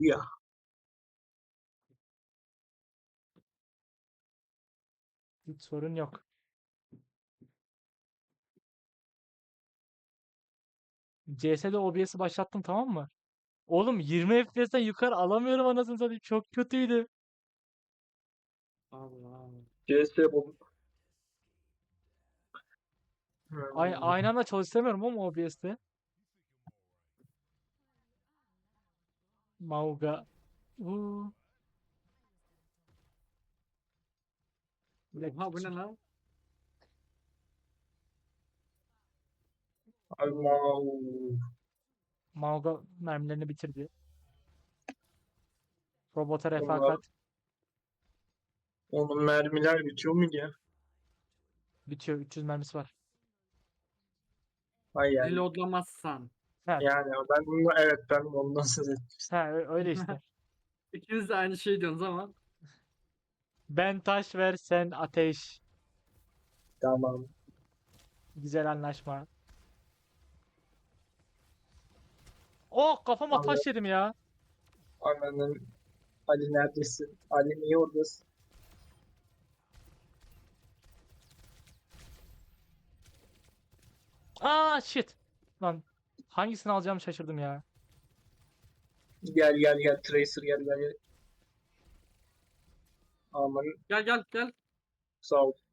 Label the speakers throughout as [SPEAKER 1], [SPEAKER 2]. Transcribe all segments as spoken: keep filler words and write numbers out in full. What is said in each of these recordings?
[SPEAKER 1] Ya.
[SPEAKER 2] Hiç sorun yok. C S'de O B S'i başlattım, tamam mı? Oğlum yirmi F P S'ten yukarı alamıyorum anasını satayım. Çok kötüydü.
[SPEAKER 3] Allah.
[SPEAKER 1] C S bu.
[SPEAKER 2] Ay
[SPEAKER 1] Hmm.
[SPEAKER 2] aynı anda çalıştıramıyorum ama O B S'te. Mauga. Uuu. Bir dakika,
[SPEAKER 3] Oha bu ne lan?
[SPEAKER 1] Allah.
[SPEAKER 2] Mauga mermilerini bitirdi. Robota
[SPEAKER 1] Onlar,
[SPEAKER 2] refakat
[SPEAKER 1] onun mermiler bitiyor mu ya?
[SPEAKER 2] bitiyor. üç yüz mermisi var.
[SPEAKER 1] Hay yani.
[SPEAKER 3] Reloadlamazsan.
[SPEAKER 2] Ha,
[SPEAKER 1] Yani ben bunu evet ben ondan söz etmiştim.
[SPEAKER 2] ha ö- öyle işte.
[SPEAKER 3] İkiniz de aynı şey diyorsunuz ama.
[SPEAKER 2] Ben taş ver, sen ateş.
[SPEAKER 1] Tamam.
[SPEAKER 2] Güzel anlaşma. Oh, kafama
[SPEAKER 1] Allah
[SPEAKER 2] taş yedim ya.
[SPEAKER 1] ananın Ali neredesin? Ali niye oradasın?
[SPEAKER 2] Aa shit. Lan hangisini alacağımı şaşırdım ya.
[SPEAKER 1] Gel gel gel Tracer gel gel. Gel. Aman
[SPEAKER 3] Gel gel gel.
[SPEAKER 1] sağ ol.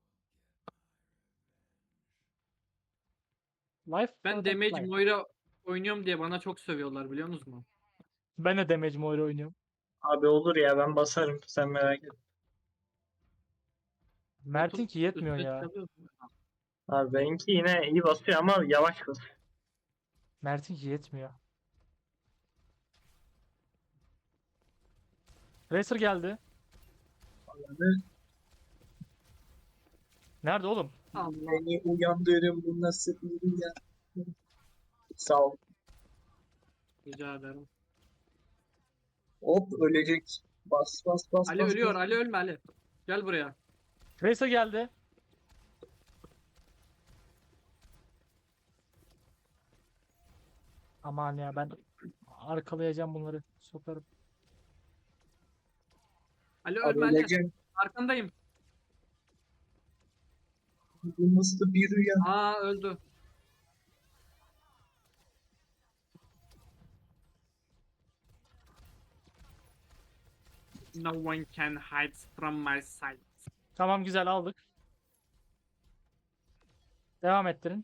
[SPEAKER 2] Life
[SPEAKER 3] Ben
[SPEAKER 2] product
[SPEAKER 3] Damage
[SPEAKER 2] life.
[SPEAKER 3] Moira oynuyorum diye bana çok sövüyorlar biliyor musunuz?
[SPEAKER 2] Ben de Damage Moira oynuyorum.
[SPEAKER 1] Abi olur ya ben basarım sen merak etme.
[SPEAKER 2] Mert'in ki yetmiyor
[SPEAKER 3] Üstüne
[SPEAKER 2] ya.
[SPEAKER 3] çıkabiliyorsun.
[SPEAKER 1] Abi benimki yine iyi basıyor ama yavaş basıyor.
[SPEAKER 2] Mert'in ki yetmiyor. Racer geldi.
[SPEAKER 1] Ananı
[SPEAKER 2] Nerede oğlum?
[SPEAKER 3] Allah.
[SPEAKER 1] beni uyandırın bu nasıl bir rüya. Sağ ol.
[SPEAKER 3] Rica ederim.
[SPEAKER 1] Hop ölecek. Bas bas bas
[SPEAKER 3] Ali
[SPEAKER 1] bas.
[SPEAKER 3] ölüyor.
[SPEAKER 1] bas.
[SPEAKER 3] Ali ölme Ali. Gel buraya.
[SPEAKER 2] Racer geldi. Aman ya, ben arkalayacağım bunları. Sokarım.
[SPEAKER 3] Ali
[SPEAKER 1] Abi
[SPEAKER 3] ölme Ali.
[SPEAKER 1] öleceğim.
[SPEAKER 3] Arkandayım.
[SPEAKER 1] Bu nasıl bir rüya.
[SPEAKER 3] Aa öldü. No one can hide from my sight.
[SPEAKER 2] Tamam, güzel aldık. Devam ettirin.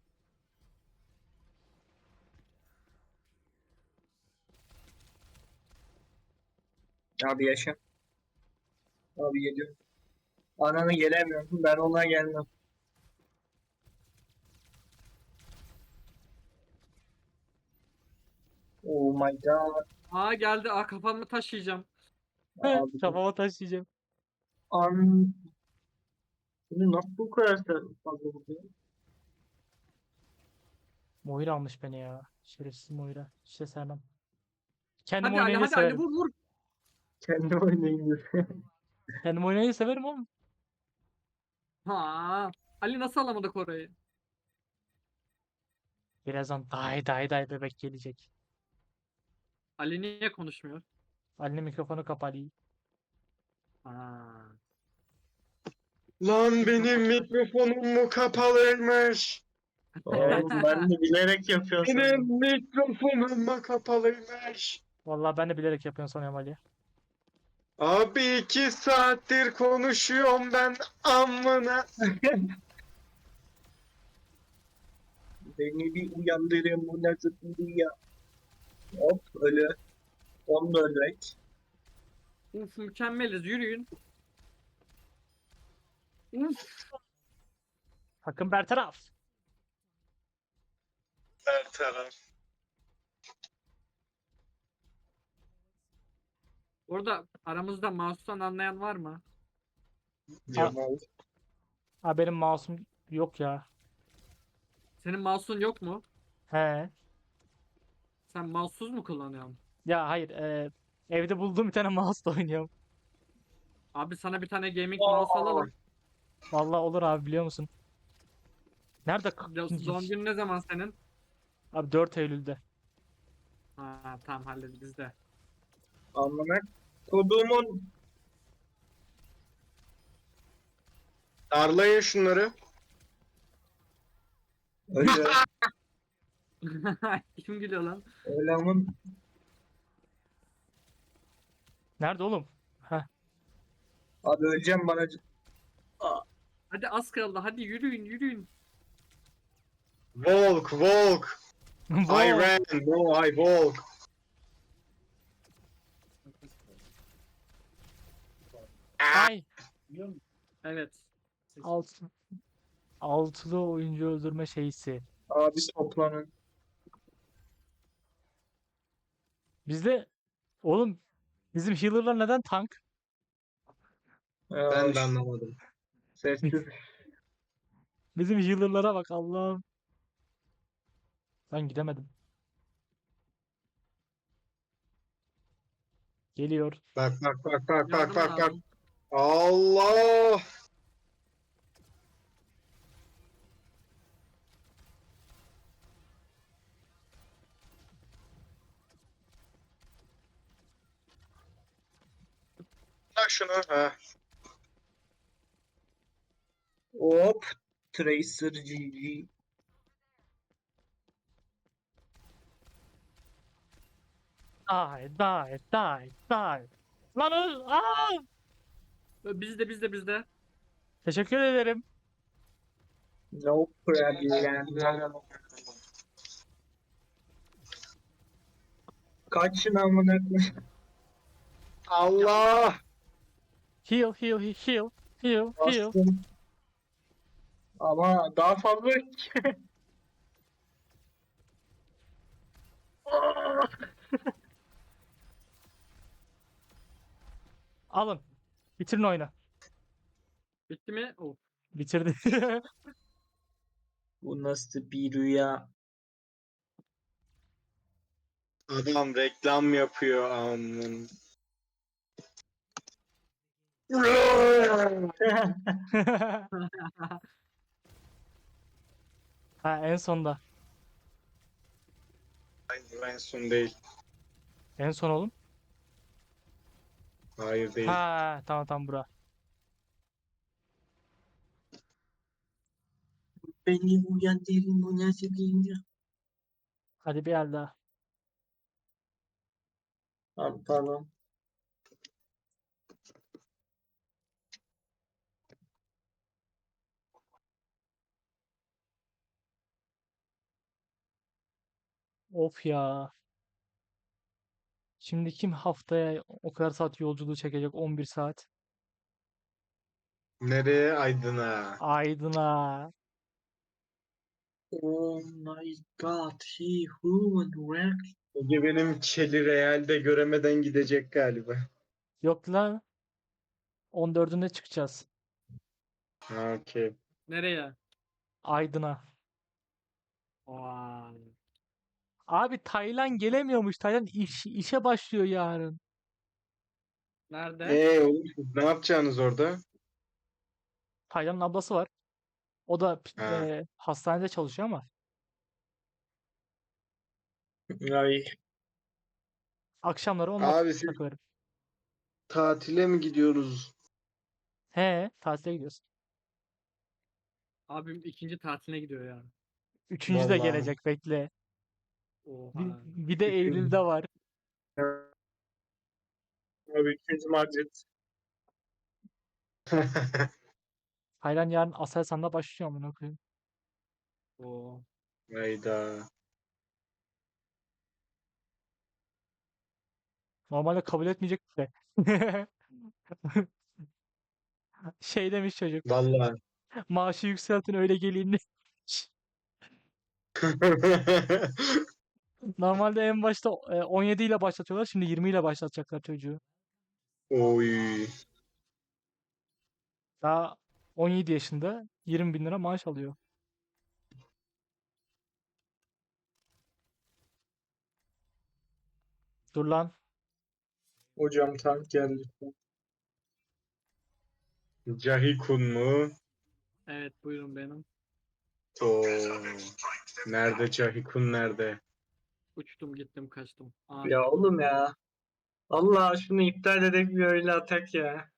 [SPEAKER 1] Abi yaşa. Abi geliyor. Ananı gelemiyorum. Ben ona gelmem. Oh my god.
[SPEAKER 3] Aa geldi. Aa kafamı taşıyacağım.
[SPEAKER 1] Abi
[SPEAKER 2] Kafama taş yiyeceğim.
[SPEAKER 1] an bunu nasıl bu kadar fazla vuruyor?
[SPEAKER 2] Moira almış beni ya. Şerefsiz Moira. İşte sevmem. Kendim
[SPEAKER 3] Hadi Ali
[SPEAKER 2] oynayınca
[SPEAKER 3] hadi Ali
[SPEAKER 2] severim.
[SPEAKER 3] vur vur.
[SPEAKER 1] Kendi oynayın diyor.
[SPEAKER 2] Kendim oynayınca severim oğlum.
[SPEAKER 3] Ha. Ali nasıl alamadık orayı?
[SPEAKER 2] Birazdan day day day bebek gelecek.
[SPEAKER 3] Ali niye konuşmuyor?
[SPEAKER 2] Ali'nin mikrofonu kapalı.
[SPEAKER 3] Ha.
[SPEAKER 4] Lan benim mikrofonum mu kapalıymış?
[SPEAKER 1] Oğlum ben de bilerek yapıyorum
[SPEAKER 4] Benim
[SPEAKER 1] sandım.
[SPEAKER 4] mikrofonum mu kapalıymış?
[SPEAKER 2] Vallahi ben de bilerek yapıyorum sanıyorum Ali.
[SPEAKER 4] Abi iki saattir konuşuyorum ben amına.
[SPEAKER 1] Beni bir uyandırın bu nasıl bir rüya. Hop öyle. Onu da öldürek.
[SPEAKER 3] Uf mükemmeliz yürüyün. Uf.
[SPEAKER 2] Takım bertaraf.
[SPEAKER 4] Her taraf.
[SPEAKER 3] Orada aramızda mouse'tan anlayan var mı?
[SPEAKER 1] Cemal.
[SPEAKER 2] Ha, benim mouse'um yok ya.
[SPEAKER 3] Senin mouse'un yok mu?
[SPEAKER 2] He.
[SPEAKER 3] Sen mouse'suz mu kullanıyorsun?
[SPEAKER 2] Ya hayır. E, evde bulduğum bir tane mouse'la oynuyorum.
[SPEAKER 3] Abi sana bir tane gaming mouse alalım.
[SPEAKER 2] Vallahi olur abi, biliyor musun? Nerede? k-
[SPEAKER 3] Ya, Doğum günün ne zaman senin?
[SPEAKER 2] Abi dört Eylül'de.
[SPEAKER 3] Ha tamam hallederiz bizde.
[SPEAKER 1] Amına kodumun
[SPEAKER 4] Darlayın şunları.
[SPEAKER 1] öyle
[SPEAKER 3] Kim gülüyor lan?
[SPEAKER 1] öyle amın
[SPEAKER 2] Nerede oğlum? Heh.
[SPEAKER 1] abi öleceğim bana c- Aa,
[SPEAKER 3] Hadi az kaldı. Hadi yürüyün yürüyün.
[SPEAKER 4] Walk, walk. I
[SPEAKER 2] Wow.
[SPEAKER 4] ran, no, I walk.
[SPEAKER 2] Ay.
[SPEAKER 3] Evet.
[SPEAKER 2] Alt, altılı oyuncu öldürme şeysi.
[SPEAKER 1] abi toplanın.
[SPEAKER 2] Bizde oğlum bizim healer'lar neden tank?
[SPEAKER 1] Aa,
[SPEAKER 4] Ben de
[SPEAKER 1] ş-
[SPEAKER 4] anlamadım.
[SPEAKER 1] Sessiz.
[SPEAKER 2] Bizim healer'lara bak Allah'ım. Ben gidemedim. Geliyor.
[SPEAKER 4] Bak bak bak bak bak
[SPEAKER 3] Yardım
[SPEAKER 4] bak bak.
[SPEAKER 3] lazım.
[SPEAKER 4] Allah! Bak şunu. Ha.
[SPEAKER 1] Hop. Tracer G G.
[SPEAKER 2] Die, die, die, die. Lan öl. Aa!
[SPEAKER 3] Bizde bizde bizde.
[SPEAKER 2] Teşekkür ederim.
[SPEAKER 1] No problem. Kaçın amına koyayım.
[SPEAKER 4] Allah!
[SPEAKER 2] Heal, heal, he- heal, heal, heal.
[SPEAKER 1] Bastım. Ama daha fazla Aa!
[SPEAKER 2] Alın. Bitirin oyunu.
[SPEAKER 3] Bitti mi? Of.
[SPEAKER 2] Bitirdi.
[SPEAKER 1] Bu nasıl bir rüya?
[SPEAKER 4] Adam reklam yapıyor amın.
[SPEAKER 2] Ha en sonda.
[SPEAKER 4] Hayır, en son değil.
[SPEAKER 2] En son oğlum.
[SPEAKER 4] Hayır değil.
[SPEAKER 2] Ha tamam tamam bura.
[SPEAKER 1] Beni uyandırın bu nasıl bir rüya?
[SPEAKER 2] Hadi bir el daha.
[SPEAKER 1] Tamam tamam.
[SPEAKER 2] Of ya. Şimdi kim haftaya o kadar saat yolculuğu çekecek? on bir saat.
[SPEAKER 4] Nereye? Aydın'a.
[SPEAKER 2] Aydın'a.
[SPEAKER 1] Oh my god, he who would wreck?
[SPEAKER 4] Ege benim Çeli Real'de göremeden gidecek galiba.
[SPEAKER 2] Yok lan. on dördünde çıkacağız.
[SPEAKER 4] Ha, okey.
[SPEAKER 3] Nereye?
[SPEAKER 2] Aydın'a.
[SPEAKER 3] Vay.
[SPEAKER 2] Abi Taylan gelemiyormuş. Taylan iş, işe başlıyor yarın.
[SPEAKER 3] Nerede?
[SPEAKER 4] Ee oğlum siz ne yapacaksınız orada?
[SPEAKER 2] Taylan'ın ablası var. O da
[SPEAKER 4] Ha.
[SPEAKER 2] e, hastanede çalışıyor ama
[SPEAKER 1] Ay,
[SPEAKER 2] akşamları onunla
[SPEAKER 4] Abi siz
[SPEAKER 2] takılırım.
[SPEAKER 4] tatile mi gidiyoruz?
[SPEAKER 2] He, tatile gidiyoruz.
[SPEAKER 3] Abim ikinci tatiline gidiyor ya.
[SPEAKER 2] Üçüncü de
[SPEAKER 4] Vallahi.
[SPEAKER 2] gelecek bekle. Bir,
[SPEAKER 3] Oha.
[SPEAKER 2] bir de
[SPEAKER 1] Üçüncü.
[SPEAKER 2] Eylül'de var.
[SPEAKER 1] abi ikinci Madrid.
[SPEAKER 2] Taylan yarın Aselsan'da başlıyor amına koyayım.
[SPEAKER 3] Oo.
[SPEAKER 4] Hayda.
[SPEAKER 2] Normalde kabul etmeyecek de. Şey demiş çocuk.
[SPEAKER 4] Vallahi.
[SPEAKER 2] Maaşı yükseltin öyle geleyim demiş. Normalde en başta e, on yedi ile başlatıyorlar. Şimdi yirmi ile başlatacaklar çocuğu.
[SPEAKER 4] Oy.
[SPEAKER 2] Daha on yedi yaşında yirmi bin lira maaş alıyor. Dur lan.
[SPEAKER 1] Hocam tank geldi.
[SPEAKER 4] Cahikun mu?
[SPEAKER 3] Evet buyurun benim.
[SPEAKER 4] Oo. Nerede Cahikun nerede?
[SPEAKER 3] Uçtum gittim kaçtım. Aa,
[SPEAKER 1] Ya oğlum ya. Allah şunu iptal edip bir öyle atak ya.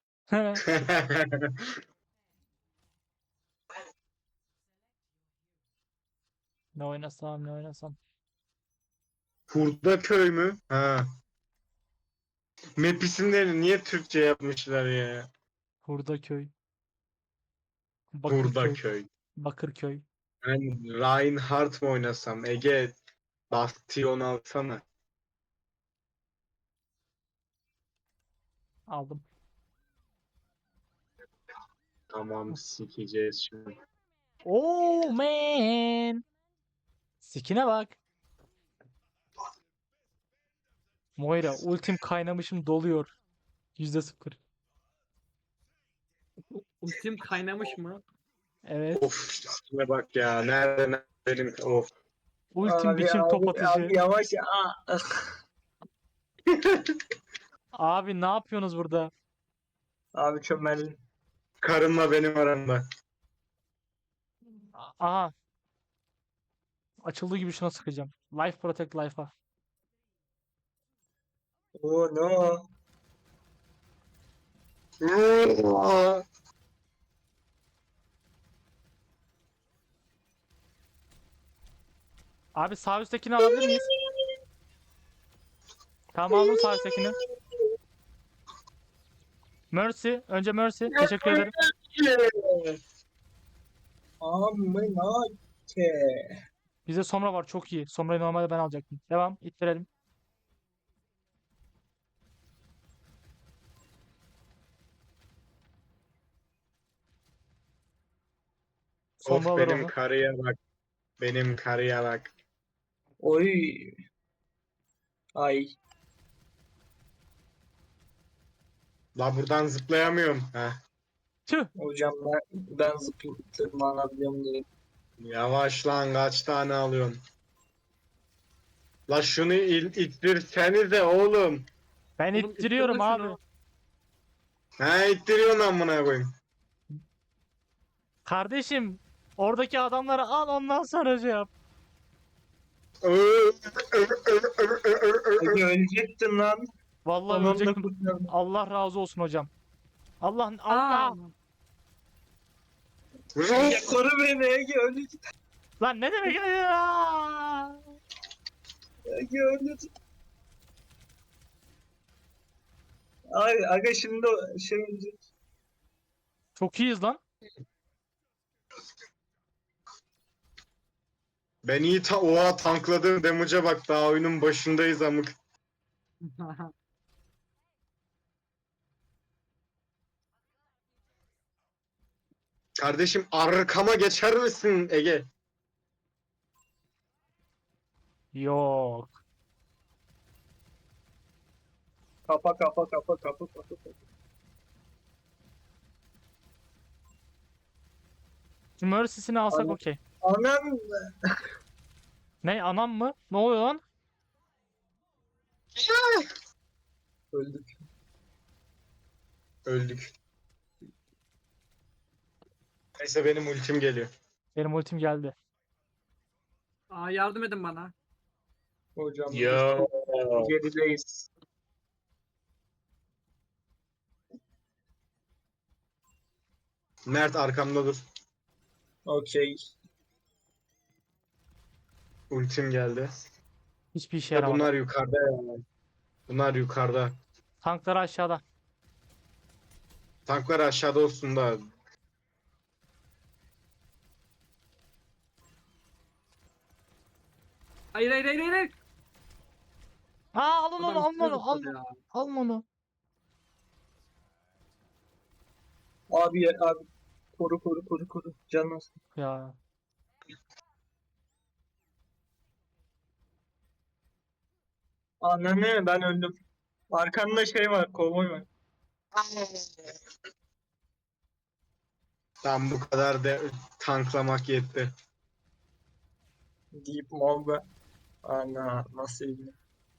[SPEAKER 2] Ne oynasam ne oynasam.
[SPEAKER 4] Hurda köy mü? Ha. Map isimlerini niye Türkçe yapmışlar ya?
[SPEAKER 2] Hurdaköy.
[SPEAKER 4] Hurda
[SPEAKER 2] Bakırköy.
[SPEAKER 4] köy.
[SPEAKER 2] Bakırköy.
[SPEAKER 4] Ben Reinhardt mı oynasam? Ege Bastion alsana.
[SPEAKER 2] Aldım.
[SPEAKER 4] Tamam sikeceğiz şimdi.
[SPEAKER 2] Oh man. Sikine bak. Moira ultim kaynamışım doluyor. Yüzde sıfır.
[SPEAKER 3] Ultim kaynamış mı?
[SPEAKER 2] Evet.
[SPEAKER 4] Of şuna bak ya. Nereden benim of.
[SPEAKER 2] Ultim
[SPEAKER 1] Abi
[SPEAKER 2] biçim top
[SPEAKER 1] abi
[SPEAKER 2] atıcı.
[SPEAKER 1] abi yavaş. Aa.
[SPEAKER 2] Abi ne yapıyorsunuz burada?
[SPEAKER 1] Abi çömeldim.
[SPEAKER 4] Karınla benim aramda.
[SPEAKER 2] A- Aha. Açıldığı gibi şuna sıkacağım. Life Protect Life'a.
[SPEAKER 1] Oh no.
[SPEAKER 2] Abi sağ üsttekini alabilir miyiz? Tamam aldım sağ üsttekini. Mercy. Önce Mercy. Teşekkür ederim.
[SPEAKER 1] Amına ke.
[SPEAKER 2] Bizde Sombra var. Çok iyi. Sombra'yı normalde ben alacaktım. Devam. İttirelim.
[SPEAKER 4] Of
[SPEAKER 2] Sombra alır
[SPEAKER 4] benim
[SPEAKER 2] onu.
[SPEAKER 4] karıya bak. Benim karıya bak.
[SPEAKER 1] Oy. Ay.
[SPEAKER 4] La buradan zıplayamıyorum. Heh.
[SPEAKER 2] Tüh.
[SPEAKER 1] Hocam ben, ben zıplayıp tırmanabiliyorum diye.
[SPEAKER 4] Yavaş lan kaç tane alıyorsun? La şunu il, ittirsenize oğlum.
[SPEAKER 2] Ben
[SPEAKER 3] Oğlum,
[SPEAKER 2] ittiriyorum
[SPEAKER 3] ittirme
[SPEAKER 2] abi.
[SPEAKER 3] şunu.
[SPEAKER 4] Ha ittiriyorsun amına koyayım.
[SPEAKER 2] Kardeşim. Oradaki adamları al ondan sonra şey yap.
[SPEAKER 1] Peki ölecektin lan.
[SPEAKER 2] Vallahi
[SPEAKER 1] Anamla
[SPEAKER 2] ölecektim.
[SPEAKER 1] kurtardım.
[SPEAKER 2] Allah razı olsun hocam. Allah
[SPEAKER 3] Aa,
[SPEAKER 2] Allah.
[SPEAKER 1] Ege koru beni Ege ölecek.
[SPEAKER 2] Lan ne demek ya?
[SPEAKER 1] Ege ölecek. Ay aga şimdi o şey ölecek.
[SPEAKER 2] Çok iyiyiz lan.
[SPEAKER 4] Ben iyi ta oha tankladığım damage'a bak daha oyunun başındayız amık. Kardeşim arkama geçer misin Ege?
[SPEAKER 2] Yok.
[SPEAKER 1] Kapa kapa kapa kapa kapa. kapa.
[SPEAKER 2] Şu Mercy'sini alsak
[SPEAKER 1] Anladım.
[SPEAKER 2] okey.
[SPEAKER 1] Anam.
[SPEAKER 2] Ne anam mı? Ne oluyor lan?
[SPEAKER 1] Öldük.
[SPEAKER 4] Öldük. Neyse benim ultim geliyor.
[SPEAKER 2] Benim ultim geldi.
[SPEAKER 3] Aa, yardım edin bana.
[SPEAKER 1] Hocam biz
[SPEAKER 4] Yo.
[SPEAKER 1] çok gerideyiz.
[SPEAKER 4] Mert arkamda dur.
[SPEAKER 1] Okey.
[SPEAKER 2] Şey
[SPEAKER 4] Ultim geldi.
[SPEAKER 2] Hiçbir işe
[SPEAKER 4] Ya
[SPEAKER 2] yaramadı.
[SPEAKER 4] bunlar yukarıda ya. Bunlar yukarıda.
[SPEAKER 2] Tankları aşağıda.
[SPEAKER 4] Tanklar aşağıda olsun da.
[SPEAKER 3] Hayır hayır hayır hayır.
[SPEAKER 2] Aa alın onu
[SPEAKER 3] Adam
[SPEAKER 2] alın
[SPEAKER 3] üstüne
[SPEAKER 2] onu alın,
[SPEAKER 3] zıpladı ya.
[SPEAKER 2] alın onu.
[SPEAKER 1] Abi ya abi. Koru koru koru koru. Canım.
[SPEAKER 2] Ya.
[SPEAKER 1] Ananı ben öldüm. Arkanda şey var, kovboy var.
[SPEAKER 4] Tam bu kadar da tanklamak yetti.
[SPEAKER 1] Deep Mob'e. Ana nasıl iyi.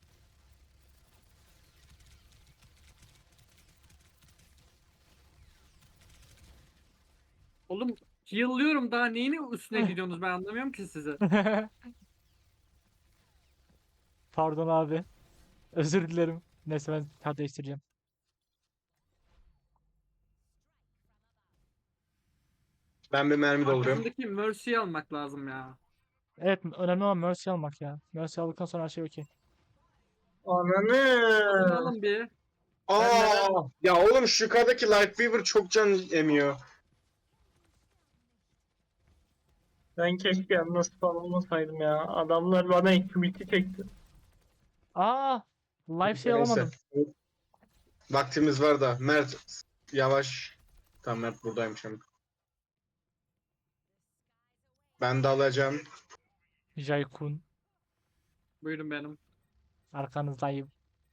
[SPEAKER 3] Oğlum yıllıyorum daha neyini üstüne gidiyorsunuz ben anlamıyorum ki sizi.
[SPEAKER 2] Pardon abi. Özür dilerim. Neyse ben kart değiştireceğim.
[SPEAKER 4] Ben bir mermi dolduruyorum.
[SPEAKER 3] Arkasındaki Mercy'yi almak lazım ya.
[SPEAKER 2] Evet önemli olan Mercy almak ya. Mercy aldıktan sonra her şey okey.
[SPEAKER 1] Ananı.
[SPEAKER 3] Adını alın bir.
[SPEAKER 4] Aa, ya oğlum şu yukarıdaki Lightweaver çok can emiyor.
[SPEAKER 1] Ben keşke yalnız falan olmasaydım ya. Adamlar bana intimiti çekti.
[SPEAKER 2] Aa, live şey
[SPEAKER 4] Neyse.
[SPEAKER 2] alamadım.
[SPEAKER 4] Vaktimiz var da. Mert yavaş. Tamam Mert buradaymış ama. Ben de alacağım.
[SPEAKER 2] Jaykun
[SPEAKER 3] Buyurun benim.
[SPEAKER 2] arkanızdayım.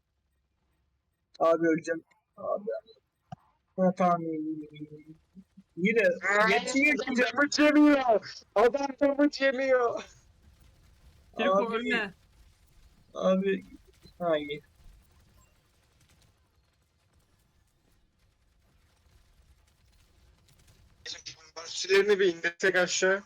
[SPEAKER 1] Abi öleceğim. Abi. Ha, tamam. Yine yetişiyor ki canım.
[SPEAKER 4] Damage yemiyor. Adam damage yemiyor.
[SPEAKER 3] Kiriko
[SPEAKER 1] Abi.
[SPEAKER 3] ölme.
[SPEAKER 1] Abi. Ha iyi.
[SPEAKER 4] Barışçılarını bir indirsek aşağı.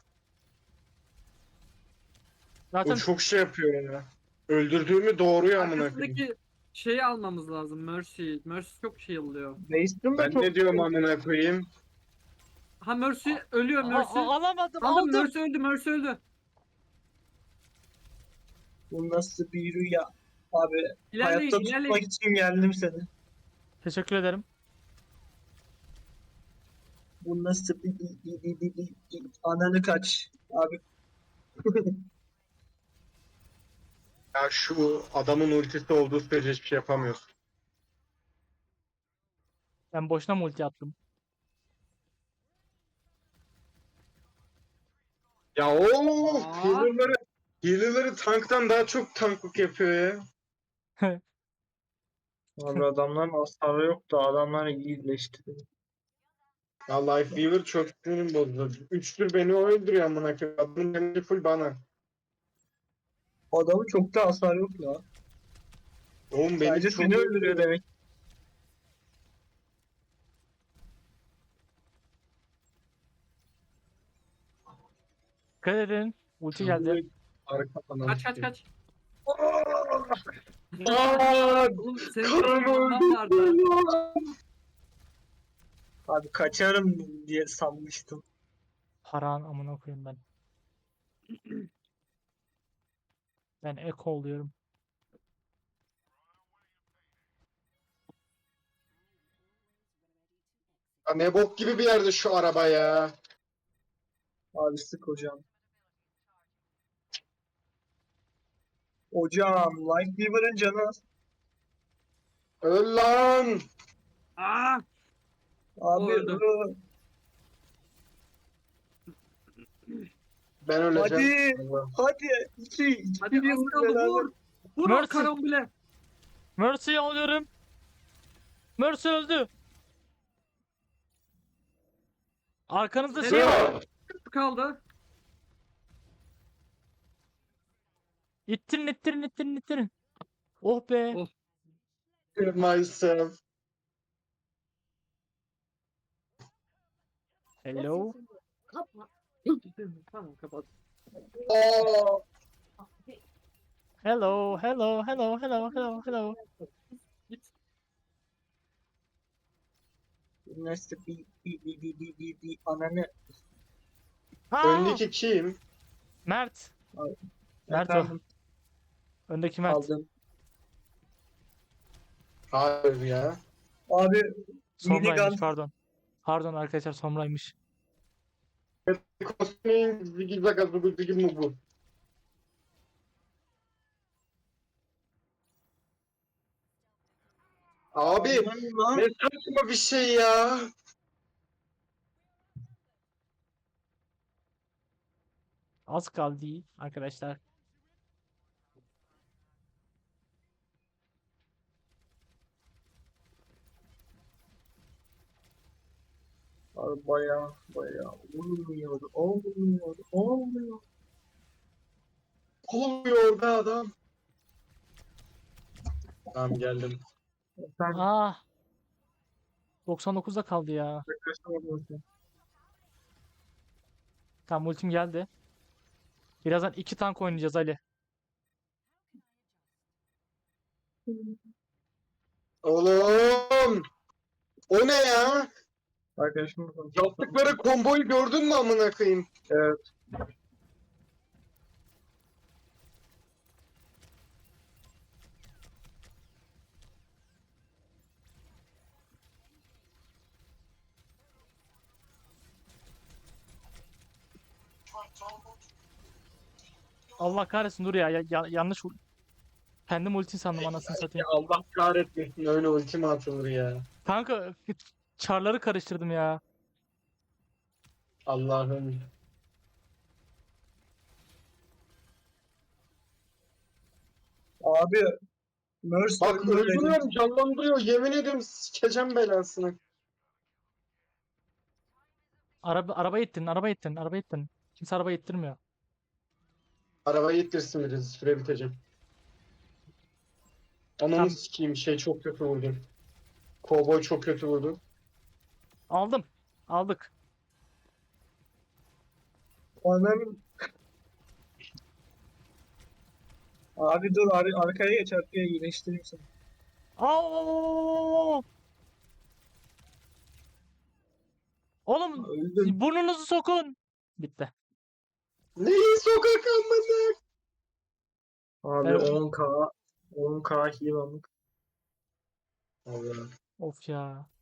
[SPEAKER 2] Zaten
[SPEAKER 4] O çok şey yapıyor ya. Öldürdüğümü doğruyor amına koyayım.
[SPEAKER 3] Arkasındaki şeyi almamız lazım. Mercy. Mercy çok şey oluyor.
[SPEAKER 1] Base'dim de
[SPEAKER 4] Ben
[SPEAKER 1] çok.
[SPEAKER 4] ne diyorum amına koyayım?
[SPEAKER 3] Ha Mercy ölüyor
[SPEAKER 2] Aa,
[SPEAKER 3] Mercy.
[SPEAKER 2] aa, alamadım
[SPEAKER 3] Aldım
[SPEAKER 2] aldım.
[SPEAKER 3] Mercy öldü Mercy öldü.
[SPEAKER 1] Bu nasıl bir rüya? Abi
[SPEAKER 3] İlerleyin
[SPEAKER 1] hayatta tutmak
[SPEAKER 3] ilerleyin.
[SPEAKER 1] için geldim seni.
[SPEAKER 2] Teşekkür ederim.
[SPEAKER 1] Bu nasıl bir, bir, bir, bir, bir, bir, bir- ananı kaç. Abi.
[SPEAKER 4] Ya şu adamın ultisi olduğu sürece hiçbir şey yapamıyorsun.
[SPEAKER 2] Ben boşuna multi attım.
[SPEAKER 4] Ya o
[SPEAKER 3] Aa.
[SPEAKER 4] healer'ları healer'ları tanktan daha çok tanklık yapıyor ya.
[SPEAKER 1] Abi adamların hasarı yok da adamlar iyileşti.
[SPEAKER 4] Ya Lifeweaver çok sinirim bozdu. Üçtür beni o öldürüyor amına koyayım. Adamın damage'i full bana.
[SPEAKER 1] Adamın çok da hasar yok ya.
[SPEAKER 4] Oğlum beni
[SPEAKER 1] Sadece
[SPEAKER 4] çok
[SPEAKER 1] seni öldürüyor demek.
[SPEAKER 2] Dikkat edin. Ulti geldi.
[SPEAKER 4] Arka falan.
[SPEAKER 3] Kaç kaç kaç.
[SPEAKER 4] Aa,
[SPEAKER 3] Oğlum senin
[SPEAKER 4] karım
[SPEAKER 3] bir vardı.
[SPEAKER 4] öldü.
[SPEAKER 1] Abi kaçarım diye sanmıştım.
[SPEAKER 2] Paran amına koyayım ben. Ben eko oluyorum.
[SPEAKER 4] Ya ne bok gibi bir yerde şu araba ya.
[SPEAKER 1] Abi sık hocam. Hocam Lightweaver'ın canı az.
[SPEAKER 4] Öl lan.
[SPEAKER 3] Aa!
[SPEAKER 1] Abi
[SPEAKER 3] öldü.
[SPEAKER 1] ıı,
[SPEAKER 4] Ben öleceğim.
[SPEAKER 1] hadi hadi iki iki
[SPEAKER 3] Hadi
[SPEAKER 1] bir
[SPEAKER 3] az
[SPEAKER 1] vur
[SPEAKER 3] kaldı
[SPEAKER 1] beraber.
[SPEAKER 3] vur. Vur
[SPEAKER 2] Mercy.
[SPEAKER 3] o karambole.
[SPEAKER 2] Mercy'yi alıyorum. Mercy öldü. Arkanızda şey
[SPEAKER 3] Nereye?
[SPEAKER 2] var.
[SPEAKER 3] Kaldı.
[SPEAKER 2] İttirin ittirin ittirin ittirin. Oh be.
[SPEAKER 3] Oh.
[SPEAKER 4] Kill myself.
[SPEAKER 2] Hello.
[SPEAKER 3] Tamam kapat.
[SPEAKER 4] Aa,
[SPEAKER 2] Hello. Hello. Hello. Hello. Hello. Hello.
[SPEAKER 3] Git.
[SPEAKER 1] Nasıl bir bir bir bir bir bir, bir ananı.
[SPEAKER 2] Ha!
[SPEAKER 4] öndeki kim?
[SPEAKER 2] Mert. Mert o.
[SPEAKER 1] Efendim,
[SPEAKER 2] Öndeki Mert.
[SPEAKER 1] aldım.
[SPEAKER 4] Hayır ya.
[SPEAKER 1] Abi
[SPEAKER 2] Somra'ymış
[SPEAKER 1] minigun.
[SPEAKER 2] pardon. Pardon arkadaşlar Somra'ymış.
[SPEAKER 4] Kostümün zigi zaga zugu zigi mugu. Abi
[SPEAKER 1] Aman lan.
[SPEAKER 4] ne saçma bir şey ya.
[SPEAKER 2] Az kaldı arkadaşlar.
[SPEAKER 1] Abi baya baya olmuyor olmuyor olmuyor.
[SPEAKER 4] Olmuyor be adam. Tamam geldim.
[SPEAKER 1] Efendim
[SPEAKER 2] Ah. doksan dokuzda kaldı ya.
[SPEAKER 1] kaçamadım.
[SPEAKER 2] Tamam ultim geldi. Birazdan iki tank oynayacağız Ali.
[SPEAKER 4] Oğlum. O ne ya?
[SPEAKER 1] Arkadaşımla konuşuyorum.
[SPEAKER 4] Yaptıkları komboyu gördün mü amına koyayım?
[SPEAKER 1] Evet.
[SPEAKER 2] Allah kahretsin dur ya, ya, ya- yanlış u- kendim ulti sandım anasını satayım.
[SPEAKER 4] Ya Allah kahretmesin öyle ultima atılır ya.
[SPEAKER 2] Kanka çarları karıştırdım ya.
[SPEAKER 4] Allah'ım.
[SPEAKER 1] Abi Nurse
[SPEAKER 4] Bak
[SPEAKER 1] öldü dedim.
[SPEAKER 4] öldürüyorum canlandırıyor yemin ediyorum sikeceğim belasını.
[SPEAKER 2] Araba araba ittin, araba ittin, araba ittin. Kimse araba ittirmiyor.
[SPEAKER 4] Arabayı ittirsin birisi süre biteceğim. Ananı
[SPEAKER 2] Tamam.
[SPEAKER 4] sikeyim şey çok kötü vurdum. Kovboy çok kötü vurdu.
[SPEAKER 2] Aldım. Aldık.
[SPEAKER 1] Anam. Abi dur ar arkaya geç arkaya iyileştireyim seni.
[SPEAKER 2] Aa! Oğlum
[SPEAKER 1] Öldüm.
[SPEAKER 2] burnunuzu sokun. Bitti.
[SPEAKER 4] Neyi sokak amına?
[SPEAKER 1] Abi
[SPEAKER 2] Evet.
[SPEAKER 1] on K on K heal aldık.
[SPEAKER 4] Allah.
[SPEAKER 2] Of ya.